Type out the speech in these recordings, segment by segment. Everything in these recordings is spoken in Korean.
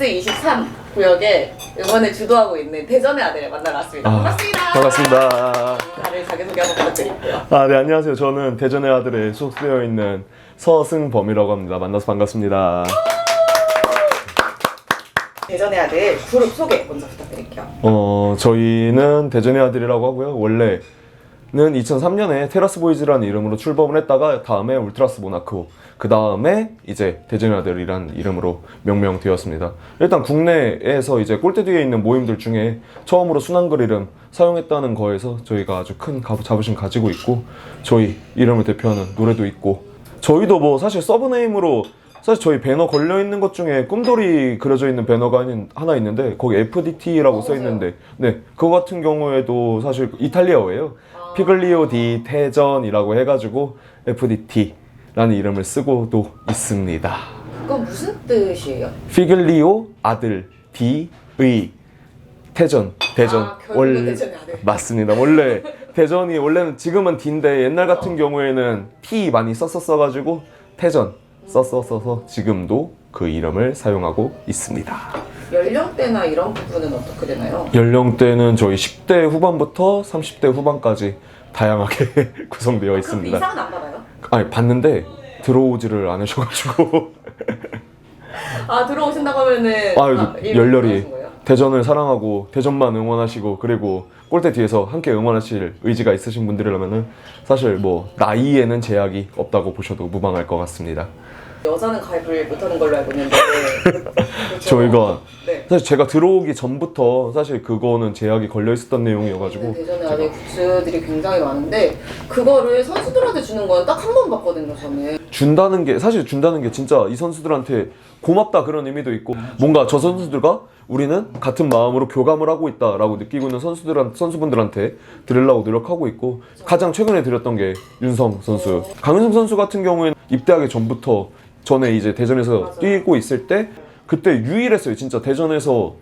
S23 구역에 응원을 주도하고 있는 대전의 아들을 만나러 왔습니다. 반갑습니다. 반갑습니다. 다들 자기소개 한번 부탁드릴게요. 네, 안녕하세요. 저는 대전의 아들에 소속되어 있는 서승범이라고 합니다. 만나서 반갑습니다. 대전의 아들 그룹 소개 먼저 부탁드릴게요. 저희는 대전의 아들이라고 하고요. 원래는 2003년에 테라스 보이즈라는 이름으로 출범을 했다가 다음에 울트라스 모나코, 그 다음에 이제 대전의 아들이라는 이름으로 명명되었습니다. 일단 국내에서 이제 꼴대 뒤에 있는 모임들 중에 처음으로 순한글 이름 사용했다는 거에서 저희가 아주 큰 자부심 가지고 있고, 저희 이름을 대표하는 노래도 있고, 저희도 뭐 사실 서브네임으로 사실 저희 배너 걸려있는 것 중에 꿈돌이 그려져 있는 배너가 하나 있는데 거기 FDT라고 써있는데, 네, 그거 같은 경우에도 사실 이탈리아어예요. 피글리오 디 태전이라고 해가지고 FDT라는 이름을 쓰고도 있습니다. 그건 무슨 뜻이에요? 피글리오 아들 디의 태전, 대전. 결국은 대전의 아들. 맞습니다. 원래는 지금은 D인데 옛날 같은 경우에는 T 많이 썼었어가지고 태전 써서 지금도 그 이름을 사용하고 있습니다. 연령대나 이런 부분은 어떻게 되나요? 연령대는 저희 10대 후반부터 30대 후반까지 다양하게 구성되어 그 있습니다. 이상은 안 받아요? 아니, 봤는데 들어오지를 않으셔가지고 들어오신다고 하면은 열렬히 하신 거예요? 대전을 사랑하고 대전만 응원하시고, 그리고 골대 뒤에서 함께 응원하실 의지가 있으신 분들이라면은 사실 뭐 나이에는 제약이 없다고 보셔도 무방할 것 같습니다. 여자는 가입을 못하는 걸로 알고 있는데 그렇죠? 저희가 네. 사실 제가 들어오기 전부터 사실 그거는 제약이 걸려 있었던 내용이어가지고 대전에 아직 굿즈들이 굉장히 많은데 그거를 선수들한테 주는 건 딱 한 번 봤거든요. 저는 준다는 게 진짜 이 선수들한테 고맙다 그런 의미도 있고, 뭔가 저 선수들과 우리는 같은 마음으로 교감을 하고 있다라고 느끼고 있는 선수분들한테 드리려고 노력하고 있고, 가장 최근에 드렸던 게 윤성 선수, 강윤성 선수 같은 경우에는 입대하기 전에 이제 대전에서 맞아요. 뛰고 있을 때 그때 유일했어요. 진짜 대전에서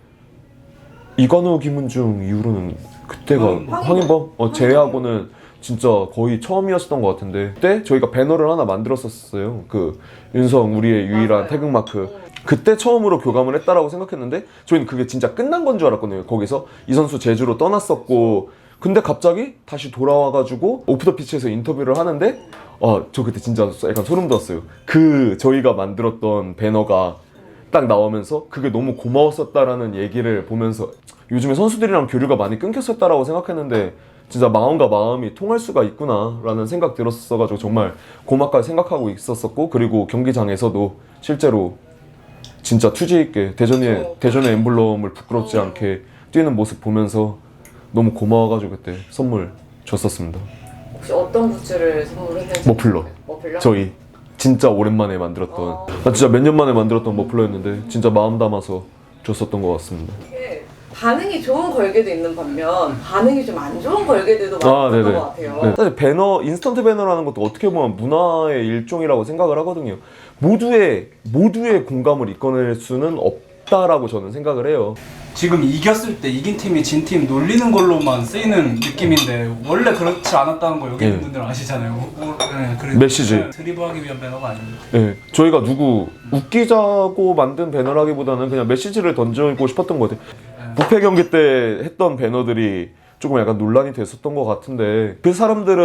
이관우, 김은중 이후로는 그때가 황인범 제외하고는 진짜 거의 처음이었던 것 같은데, 그때 저희가 배너를 하나 만들었었어요. 그 윤성 우리의 유일한 맞아요. 태극마크. 그때 처음으로 교감을 했다라고 생각했는데 저희는 그게 진짜 끝난 건 줄 알았거든요. 거기서 이 선수 제주로 떠났었고, 근데 갑자기 다시 돌아와가지고 오프 더 피치에서 인터뷰를 하는데 저 그때 진짜 약간 소름 돋았어요. 그 저희가 만들었던 배너가 딱 나오면서 그게 너무 고마웠었다라는 얘기를 보면서, 요즘에 선수들이랑 교류가 많이 끊겼었다라고 생각했는데 진짜 마음과 마음이 통할 수가 있구나 라는 생각 들었어가지고 정말 고맙게 생각하고 있었었고, 그리고 경기장에서도 실제로 진짜 투지 있게 대전의 엠블럼을 부끄럽지 않게 뛰는 모습 보면서 너무 고마워가지고 그때 선물 줬었습니다. 혹시 어떤 굿즈를 선물했는지? 머플러. 저희 진짜 오랜만에 만들었던, 진짜 몇 년 만에 만들었던 머플러였는데 진짜 마음 담아서 줬었던 것 같습니다. 이게 반응이 좋은 걸개도 있는 반면 반응이 좀 안 좋은 걸개들도 많았던 것 같아요. 네. 사실 인스턴트 배너라는 것도 어떻게 보면 문화의 일종이라고 생각을 하거든요. 모두의 공감을 이끌어낼 수는 없다라고 저는 생각을 해요. 지금 이겼을 때 이긴 팀이 진 팀 놀리는 걸로만 쓰이는 느낌인데 원래 그렇지 않았다는 거 여기 있는 분들은 아시잖아요. 그래서 메시지. 드리블하기 위한 배너가 아닙니다. 네, 저희가 누구 웃기자고 만든 배너라기보다는 그냥 메시지를 던지고 싶었던 것 같아요. 부패 경기 때 했던 배너들이 조금 약간 논란이 됐었던 것 같은데, 그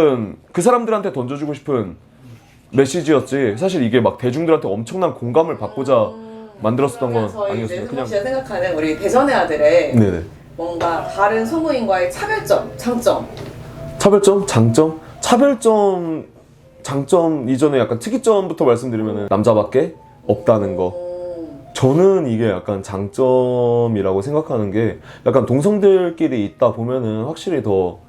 사람들한테 던져주고 싶은 메시지였지 사실 이게 막 대중들한테 엄청난 공감을 받고자 만들었었던 건 저희 아니었어요. 그냥 씨가 생각하는 우리 대전의 아들의 네네. 뭔가 다른 소모임과의 차별점, 장점. 차별점, 장점? 차별점, 장점 이전에 약간 특이점부터 말씀드리면 남자밖에 없다는 거. 저는 이게 약간 장점이라고 생각하는 게, 약간 동성들끼리 있다 보면은 확실히 더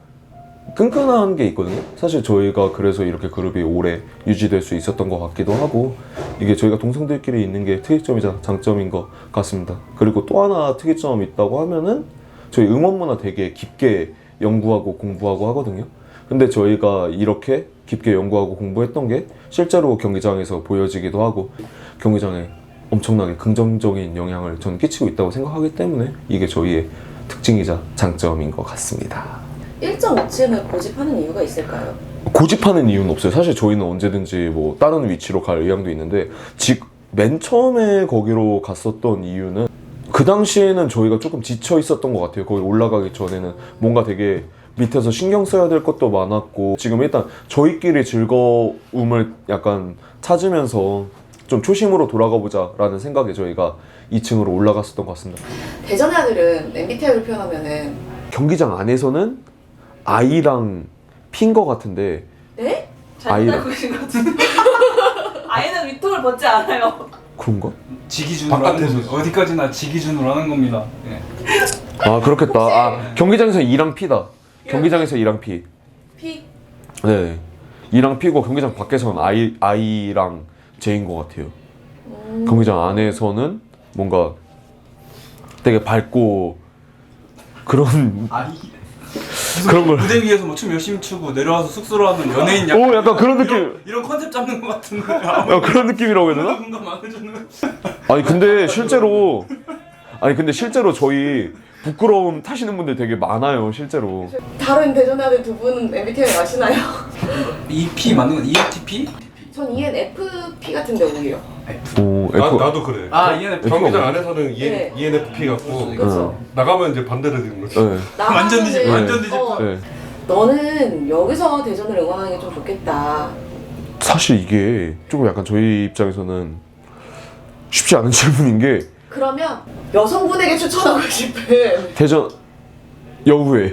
끈끈한 게 있거든요. 사실 저희가 그래서 이렇게 그룹이 오래 유지될 수 있었던 것 같기도 하고, 이게 저희가 동성들끼리 있는 게 특이점이자 장점인 것 같습니다. 그리고 또 하나 특이점이 있다고 하면은 저희 응원 문화 되게 깊게 연구하고 공부하고 하거든요. 근데 저희가 이렇게 깊게 연구하고 공부했던 게 실제로 경기장에서 보여지기도 하고, 경기장에 엄청나게 긍정적인 영향을 저는 끼치고 있다고 생각하기 때문에 이게 저희의 특징이자 장점인 것 같습니다. 1.5층을 고집하는 이유가 있을까요? 고집하는 이유는 없어요. 사실 저희는 언제든지 뭐 다른 위치로 갈 의향도 있는데, 맨 처음에 거기로 갔었던 이유는 그 당시에는 저희가 조금 지쳐 있었던 것 같아요. 거기 올라가기 전에는 뭔가 되게 밑에서 신경 써야 될 것도 많았고, 지금 일단 저희끼리 즐거움을 약간 찾으면서 좀 초심으로 돌아가 보자 라는 생각에 저희가 2층으로 올라갔었던 것 같습니다. 대전의 아들은 MBTI로 표현하면은 경기장 안에서는 I랑 P인 것 같은데, 네? 아이를- 잘못 알고 계신 것 같은데. 아이는 위통을 벗지 않아요. 그런가? 지 기준으로 하는 바깥에서. 겁니다. 어디까지나 지 기준으로 하는 겁니다. 예. 아 그렇겠다. 아 경기장에서 E랑 P다. 경기장에서 E랑 P. P? 네. E랑 P고 경기장 밖에서는 I랑 J인 것 같아요. 경기장 안에서는 뭔가 되게 밝고 그런 아이. 그런 걸. 무대 위에서 뭐 춤 열심히 추고 내려와서 숙소로 하는 연예인 오 약간 그런 느낌. 이런 컨셉 잡는 것 같은데. 야, 그런 느낌이라고 해야 되나? 공감 안 해주는. 아니 근데 실제로 저희 부끄러움 타시는 분들 되게 많아요 실제로. 다른 대전의 아들 두 분은 MBTI 아시나요? EP 맞는 건 ENTP? 전 ENFP 같은데 오히려. 오 F. 나도 그래. 아 ENFP. 경기장 안에서는 네. ENFP 같고 그렇죠. 나가면 이제 반대로 되는 거지. 네. 완전 뒤집 나가면은, 완전 뒤집. 네. 너는 여기서 대전을 응원하는 게 좀 좋겠다. 사실 이게 조금 약간 저희 입장에서는 쉽지 않은 질문인 게, 그러면 여성분에게 추천하고 싶은 대전 여우회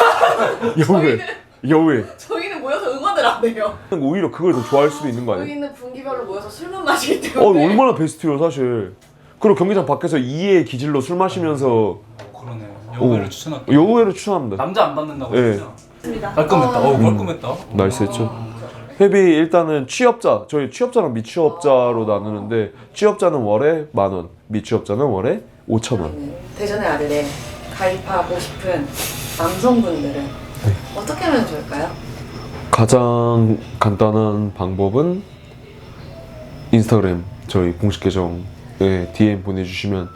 여우회 저희는 모여서 응원을 안 해요. 오히려 그걸 더 좋아할 수도 있는 거 아니에요? 저희는 분기별로 모여서 술만 마시기 어 때문에. 얼마나 베스트요 사실. 그리고 경기장 밖에서 이의 기질로 술 마시면서 그러네요. 여우를 추천할게요. 여우회를 추천합니다. 남자 안 받는다고 네. 했죠? 맞습니다. 깔끔했다. 깔끔했다. 나이스 했죠. 회비 일단은 취업자, 저희 취업자랑 미취업자로 나누는데, 취업자는 월에 10,000원, 미취업자는 월에 5,000원. 대전의 아들에 가입하고 싶은 남성분들은 어떻게 하면 좋을까요? 가장 간단한 방법은 인스타그램 저희 공식 계정에 DM 보내주시면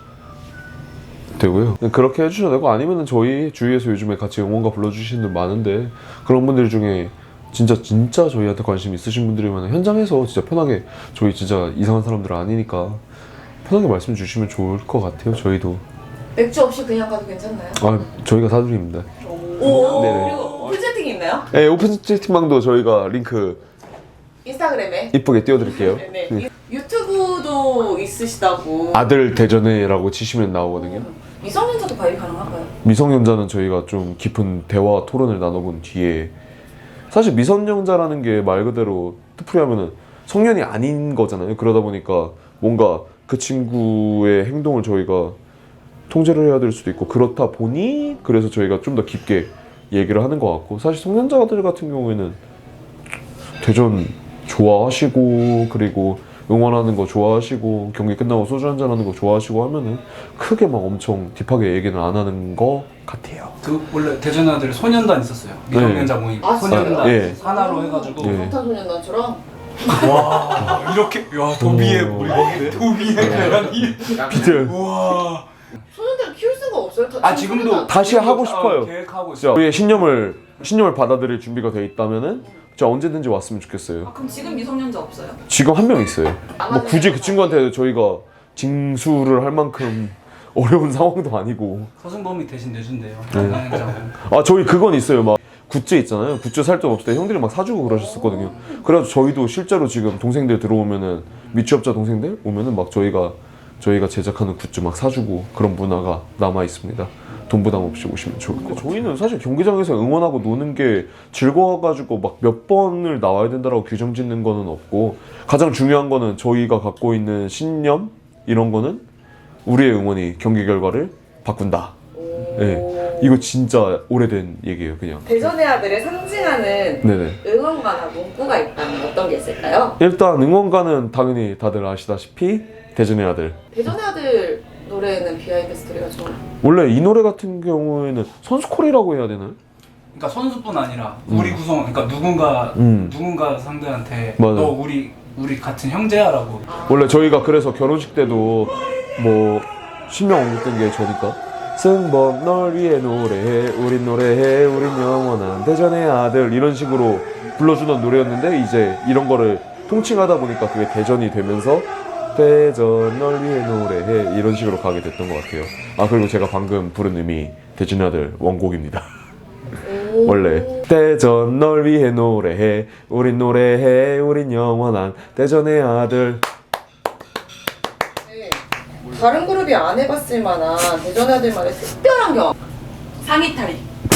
되고요. 그렇게 해주셔도 되고, 아니면은 저희 주위에서 요즘에 같이 응원가 불러주시는 분들 많은데, 그런 분들 중에 진짜 저희한테 관심 있으신 분들이면 현장에서 진짜 편하게, 저희 진짜 이상한 사람들 아니니까 편하게 말씀 주시면 좋을 것 같아요. 저희도. 맥주 없이 그냥 가도 괜찮나요? 아 저희가 사드립니다. 오. 네네. 그리고 오픈 채팅이 있나요? 네, 오픈 채팅방도 저희가 링크 인스타그램에. 이쁘게 띄워드릴게요. 네네. 네. 유튜브도 있으시다고. 아들 대전에라고 치시면 나오거든요. 미성년자도 가입 가능한가요? 미성년자는 저희가 좀 깊은 대화 토론을 나눠본 뒤에, 사실 미성년자라는 게 말 그대로 뜻풀이하면은 성년이 아닌 거잖아요. 그러다 보니까 뭔가 그 친구의 행동을 저희가 통제를 해야 될 수도 있고, 그렇다 보니 그래서 저희가 좀 더 깊게 얘기를 하는 것 같고, 사실 성년자들 같은 경우에는 대전 좋아하시고, 그리고 응원하는 거 좋아하시고, 경기 끝나고 소주 한잔 하는 거 좋아하시고 하면은 크게 막 엄청 딥하게 얘기는 안 하는 것 같아요. 그 원래 대전 아들 소년단 있었어요. 미성년자 모임. 아, 진짜요? 소년단 예. 하나로 해가지고. 예. 방탄소년단처럼. 와 이렇게 야 도비의 오. 우리 도비의 계란이. 비트 와. 소년들을 키울 수가 없어요. 아 지금도 다시 하고 싶어요. 계획하고 진짜 있어. 우리의 신념을 받아들일 준비가 돼 있다면은 진짜 언제든지 왔으면 좋겠어요. 아, 그럼 지금 미성년자 없어요? 지금 한 명 있어요. 뭐 굳이 그 친구한테 저희가 징수를 할 만큼 어려운 상황도 아니고. 서승범이 대신 내준대요. 네. 아 저희 그건 있어요. 막 굿즈 있잖아요. 굿즈 살 돈 없을 때 형들이 막 사주고 그러셨었거든요. 그래서 저희도 실제로 지금 동생들 들어오면은, 미취업자 동생들 오면은 막 저희가 제작하는 굿즈 막 사주고 그런 문화가 남아 있습니다. 돈 부담 없이 오시면 좋을 것 같아요. 저희는 사실 경기장에서 응원하고 노는 게 즐거워가지고 막 몇 번을 나와야 된다라고 규정 짓는 거는 없고, 가장 중요한 거는 저희가 갖고 있는 신념 이런 거는 우리의 응원이 경기 결과를 바꾼다. 네, 이거 진짜 오래된 얘기예요, 그냥. 대전의 아들을 상징하는 네네. 응원가나 문구가 있다면 어떤 게 있을까요? 일단 응원가는 당연히 다들 아시다시피 대전의 아들. 대전의 아들 노래는 비하인드 스토리가 좀. 원래 이 노래 같은 경우에는 선수콜이라고 해야 되나요? 그러니까 선수뿐 아니라 우리 구성 그러니까 누군가 상대한테 맞아요. 너 우리 같은 형제야라고. 원래 저희가 그래서 결혼식 때도 뭐 신명 옮겼던 게 저니까, 승범 널 위해 노래해, 우린 노래해, 우린 영원한 대전의 아들, 이런 식으로 불러주던 노래였는데, 이제 이런 거를 통칭하다 보니까 그게 대전이 되면서 대전 널 위해 노래해 이런 식으로 가게 됐던 것 같아요. 아 그리고 제가 방금 부른 음이 대전의 아들 원곡입니다. 원래 대전 널 위해 노래해 우린 노래해 우린 영원한 대전의 아들. 다른 그룹이 안 해봤을 만한 대전 아들만의 특별한 경험. 상의 탈의.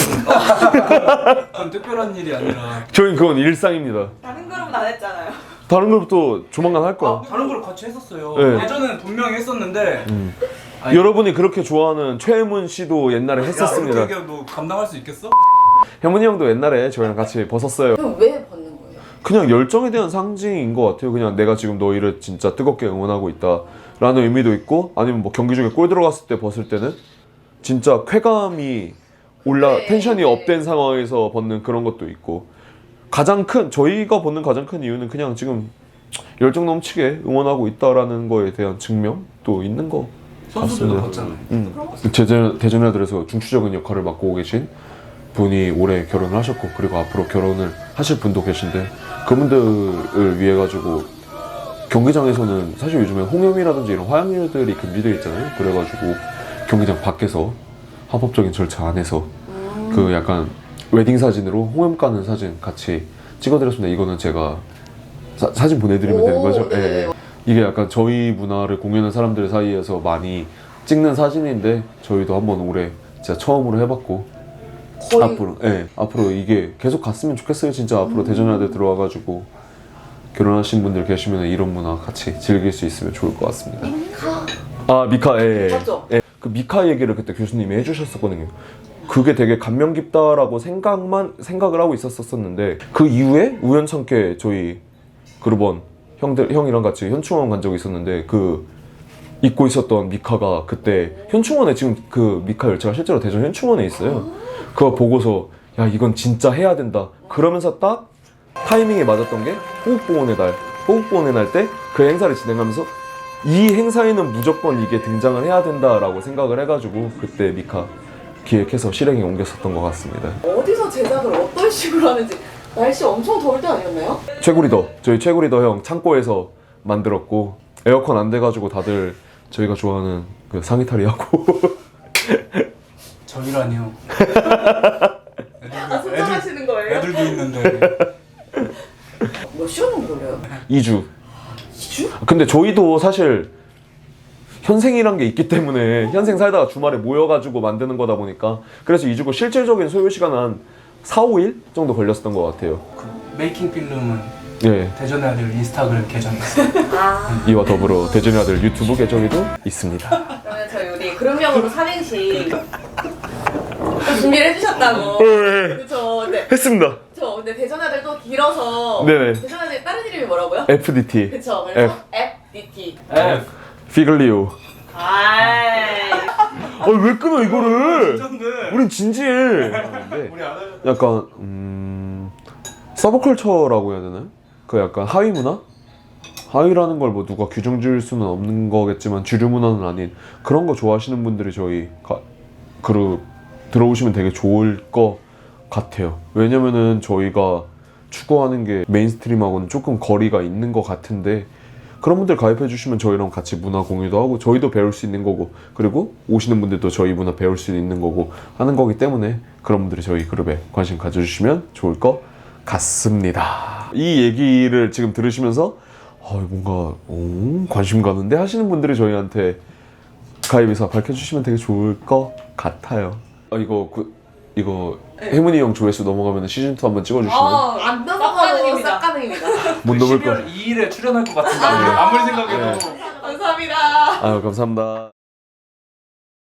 그건 특별한 일이 아니라 저희는 그건 일상입니다. 다른 그룹은 안 했잖아요. 다른 그룹도 조만간 할 거야. 다른 걸 같이 했었어요. 네. 예전에는 분명히 했었는데 아니, 여러분이 그렇게 좋아하는 최혜문 씨도 옛날에 했었습니다. 야, 그렇게 너 감당할 수 있겠어? 혜문이 형도 옛날에 저희랑 같이 벗었어요. 그럼 왜 벗는 거예요? 그냥 열정에 대한 상징인 것 같아요. 그냥 내가 지금 너희를 진짜 뜨겁게 응원하고 있다라는 의미도 있고, 아니면 뭐 경기 중에 골 들어갔을 때 벗을 때는 진짜 쾌감이 올라 네, 텐션이 네. 업된 상황에서 벗는 그런 것도 있고, 가장 큰 저희가 벗는 가장 큰 이유는 그냥 지금 열정 넘치게 응원하고 있다라는 거에 대한 증명도 있는 거 선수들도 같습니다. 벗잖아요. 대전의 아들에서 중추적인 역할을 맡고 계신 분이 올해 결혼을 하셨고, 그리고 앞으로 결혼을 하실 분도 계신데, 그분들을 위해 가지고 경기장에서는 사실 요즘에 홍염이라든지 이런 화약류들이 금지되어 있잖아요. 그래가지고 경기장 밖에서 합법적인 절차 안에서 그 약간 웨딩 사진으로 홍염 까는 사진 같이 찍어드렸습니다. 이거는 제가 사진 보내드리면 되는 거죠? 네. 예, 예. 이게 약간 저희 문화를 공유하는 사람들 사이에서 많이 찍는 사진인데, 저희도 한번 올해 진짜 처음으로 해봤고, 거의 앞으로 이게 계속 갔으면 좋겠어요. 진짜 앞으로 대전의 아들 들어와가지고 결혼하신 분들 계시면 이런 문화 같이 즐길 수 있으면 좋을 것 같습니다. 아 미카, 예. 맞죠? 예. 그 미카 얘기를 그때 교수님이 해주셨었거든요. 그게 되게 감명 깊다라고 생각을 하고 있었었는데, 그 이후에 우연찮게 저희 그룹원 형이랑 같이 현충원 간 적이 있었는데, 그 입고 있었던 미카가 그때 현충원에, 지금 그 미카 열차가 실제로 대전 현충원에 있어요. 그거 보고서 야 이건 진짜 해야 된다 그러면서 딱 타이밍에 맞았던 게 호국보훈의 날 때 그 행사를 진행하면서 이 행사에는 무조건 이게 등장을 해야 된다라고 생각을 해가지고 그때 미카 기획해서 실행에 옮겼었던 것 같습니다. 어디서 제작을 어떤 식으로 하는지. 날씨 엄청 더울 때 아니었나요? 저희 최구리더 형 창고에서 만들었고, 에어컨 안 돼가지고 다들 저희가 좋아하는 그 상의탈이 하고 저희라니요. 아, 소장하시는 거예요? 애들도 있는데. 몇 시간 정도 걸려요? 2주. 2주? 근데 저희도 사실 현생이란 게 있기 때문에 현생 살다가 주말에 모여가지고 만드는 거다 보니까, 그래서 2주고 실질적인 소요 시간은 한 4, 5일 정도 걸렸었던 것 같아요. 그 메이킹 필름은 예. 대전의 아들 인스타그램 계정이 있어요. 아. 이와 더불어 대전의 아들 유튜브 계정에도 있습니다. 그러면 저희 우리 그룹명으로 삼행시 준비를 해주셨다고. 그쵸. 네. 했습니다. 저 근데 대전 아들도 길어서. 네네. 대전 아들 다른 이름이 뭐라고요? FDT. 그쵸. 그래서 FDT. F. 피글리오. 아이. 왜 끊어 이거를? 진짠데. 우린 진지해. 근데 우리 안 해. 약간 서브컬처라고 해야 되나요? 그 약간 하위 문화? 하위라는 걸 뭐 누가 규정 지을 수는 없는 거겠지만 주류 문화는 아닌 그런 거 좋아하시는 분들이 저희 그룹 들어오시면 되게 좋을 것 같아요. 왜냐면은 저희가 추구하는 게 메인스트림하고는 조금 거리가 있는 것 같은데, 그런 분들 가입해 주시면 저희랑 같이 문화 공유도 하고 저희도 배울 수 있는 거고, 그리고 오시는 분들도 저희 문화 배울 수 있는 거고 하는 거기 때문에, 그런 분들이 저희 그룹에 관심 가져주시면 좋을 것 같습니다. 이 얘기를 지금 들으시면서 뭔가 관심 가는데 하시는 분들이 저희한테 가입 의사 밝혀주시면 되게 좋을 것 같아요. 이거 혜문이 형 조회수 넘어가면 시즌2 한번 찍어주시면 안 넘어가도 싹 가능입니다. 못 넘을 거. 12월 2일에 출연할 것 같은데 아무리 생각해도. 감사합니다. 아유 감사합니다.